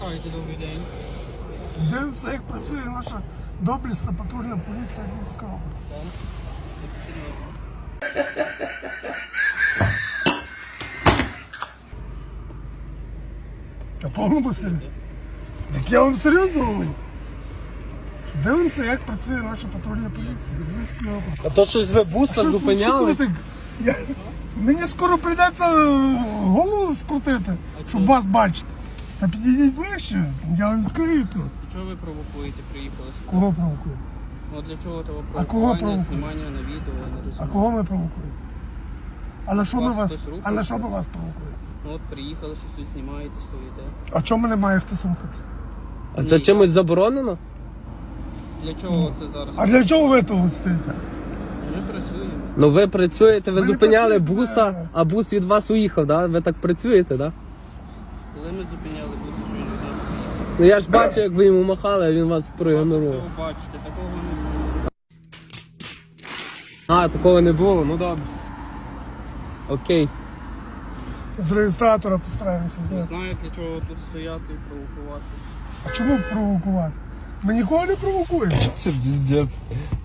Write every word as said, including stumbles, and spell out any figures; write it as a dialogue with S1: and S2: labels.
S1: викликаєте, добрий день.
S2: Дивимося, як працює наша доблесна патрульна поліція Львівської області.
S1: Так, це серйозно.
S2: Та повному серйозно. Так я вам серйозно говорю. Дивимося, як працює наша патрульна поліція Львівської області.
S3: А то щось ви буса
S2: Що-
S3: зупиняли?
S2: що ви так? Я... Мені скоро прийдеться голову скрутити, щоб вас бачити. Та підійдіть ближче, я вам відкрию тут.
S1: Чого ви провокуєте, приїхали сюди?
S2: Кого провокує?
S1: Ну, для чого того
S2: А кого
S1: провокування,
S2: провокує?
S1: знімання на відео, я не
S2: А
S1: розумію.
S2: кого ми провокуємо? А на що ми
S1: Вас
S2: вас?
S1: хтось рухає?
S2: А на що ми вас провокуємо?
S1: Ну от приїхали, щось тут знімаєте, стоїте.
S2: А чому мене має хтось рухати?
S3: А це чимось заборонено?
S1: Для чого це зараз?
S2: А для чого ви тут стоїте?
S1: Ми працюємо.
S3: Ну ви працюєте, ви
S2: Ви не
S3: зупиняли
S2: працюєте,
S3: буса,
S2: да.
S3: а бус від вас уїхав, да? Ви так працюєте, да?
S1: Коли ми зупиняли бус, що він від нас приїхав.
S3: Ну я ж бачу, як ви йому махали, а він вас проігнорував.
S1: Все бачите, такого не було.
S3: А, такого не було, ну добре. Окей.
S2: З реєстратора постараємося
S1: Не
S2: зняти.
S1: знаю, для чого тут стояти і провокувати.
S2: А чому провокувати? Ми нікого не провокуємо.
S3: Це піздець.